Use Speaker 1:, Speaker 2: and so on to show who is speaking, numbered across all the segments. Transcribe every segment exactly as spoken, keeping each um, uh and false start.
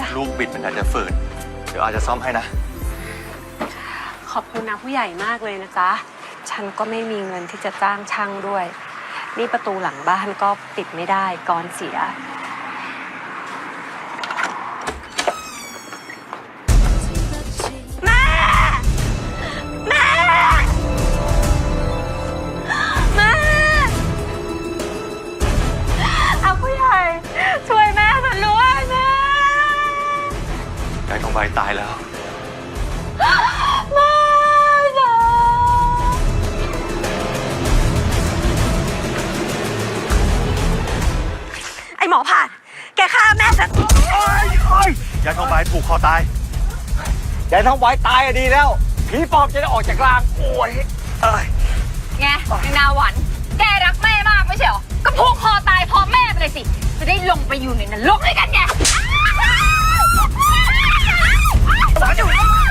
Speaker 1: ลูกบิดมันอาจจะฝืดเดี๋ยวอาจจะซ่อมให้นะ
Speaker 2: ขอบคุณนะผู้ใหญ่มากเลยนะจ๊ะฉันก็ไม่มีเงินที่จะจ้างช่างด้วยนี่ประตูหลังบ้านก็ปิดไม่ได้กรเสียแม่แม่แม่เอาผู้ใหญ่ช่วยแม่ฉันด้วยแม่
Speaker 1: ยายทองใบตายแล้ว
Speaker 2: แม่จ๋าไอหมอผ่านแกฆ่าแม่ฉัน
Speaker 1: โอ้ยโอ้ยยายทองใบถูกคอตาย
Speaker 3: ยายทองใบตายอะดีแล้วผีปอบจะได้ออกจากร่างโอ้ยเอ้ย
Speaker 4: ไงนางนาหวันแกรักแม่มากไม่ใช่เหรอก็ผูกคอตายพร้อมแม่ไปเลยสิจะได้ลงไปอยู่ในนรกด้วยกันไง
Speaker 2: ปล่อย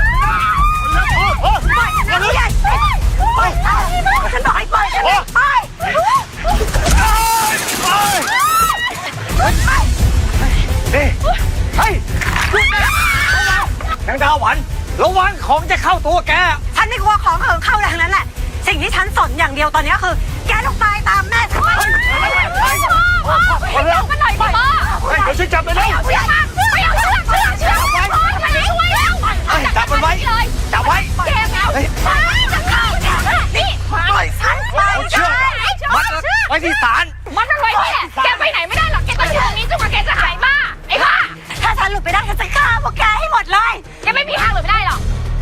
Speaker 2: ฉันใหญ่ปล่อยฉันบอกให้ปล่อยฉันไป
Speaker 3: นี่เฮ้ยนางดาวหวันระวังของจะเข้าตัวแก
Speaker 2: ฉันไม่กลัวของเหิงเข้าอะไรทั้งนั้นแหละสิ่งที่ฉันสนอย่างเดียวตอนนี้คือแกต้องตายตามแม่ฉันไป
Speaker 4: พ่อจับมันหน่อยพ่อ
Speaker 3: เดี๋ยวช่วยจับไปเลย
Speaker 4: ไม่เอาเชือกไม่เอาเชือกเชือกเชือกพ่อทำไมไม่ช่วยแล้ว
Speaker 3: จับมันไว้จับไว้
Speaker 4: แกแล้วจะเข้านี่ปล่อยฉัน
Speaker 3: เอาเชือกมัดไว้ที่ศาล
Speaker 4: มัดมันไว้เนี่ยแกไปไหนไม่ได้หรอกแกต้องอยู่ตรงนี้จนกว่าแกจะหายบ้าไอ้บ้า
Speaker 2: ถ้าฉันหลุดไปได้ฉันจะฆ่าพวกแกให้หมดเลย
Speaker 4: แกไม่มีทางหลุดไปได้หรอก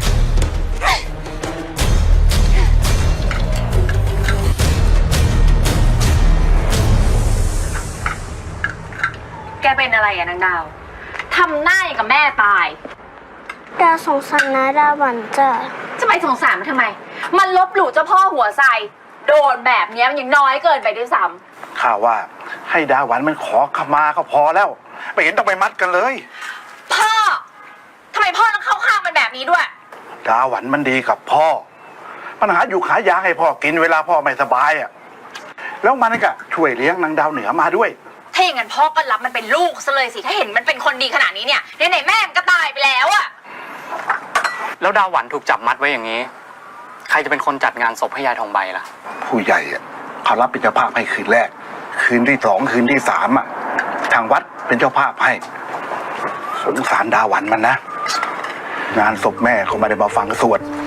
Speaker 4: แกเป็นอะไรอะนางดาวทำหน้าอย่างกับแม่ตาย
Speaker 5: ดาสงสารนะดาหวันจ้ะ
Speaker 4: จะไปสงสารมันทำไมมันลบหลู่เจ้าพ่อหัวไซโดนแบบนี้มันยังน้อยเกินไปด้วยซ้
Speaker 3: ำข้าว่าให้ดาหวันมันขอขมาก็พอแล้วไม่เห็นต้องไปมัดกันเลย
Speaker 4: พ่อทำไมพ่อต้องเข้าข้างมันแบบนี้ด้วย
Speaker 3: ดาหวันมันดีกับพ่อปัญหาอยู่ขายาให้พ่อกินเวลาพ่อไม่สบายอ่ะแล้วมันก็ช่วยเลี้ยงนางดาวเหนือมาด้วย
Speaker 4: ถ้าอย่างนั้นพ่อก็รับมันเป็นลูกซะเลยสิถ้าเห็นมันเป็นคนดีขนาดนี้เนี่ยไหนๆแม่มันก็ตายไปแล้วอะ
Speaker 1: แล้วดาวหวันถูกจับมัดไว้อย่างนี้ใครจะเป็นคนจัดงานศพให้ยายทองใบล่ะ
Speaker 3: ผู้ใหญ่อ่ะเขารับเป็นเจ้าภาพให้คืนแรกคืนที่สองคืนที่สามอ่ะทางวัดเป็นเจ้าภาพให้สงสารดาหวันมันนะงานศพแม่เขาไม่ได้มาฟังสวด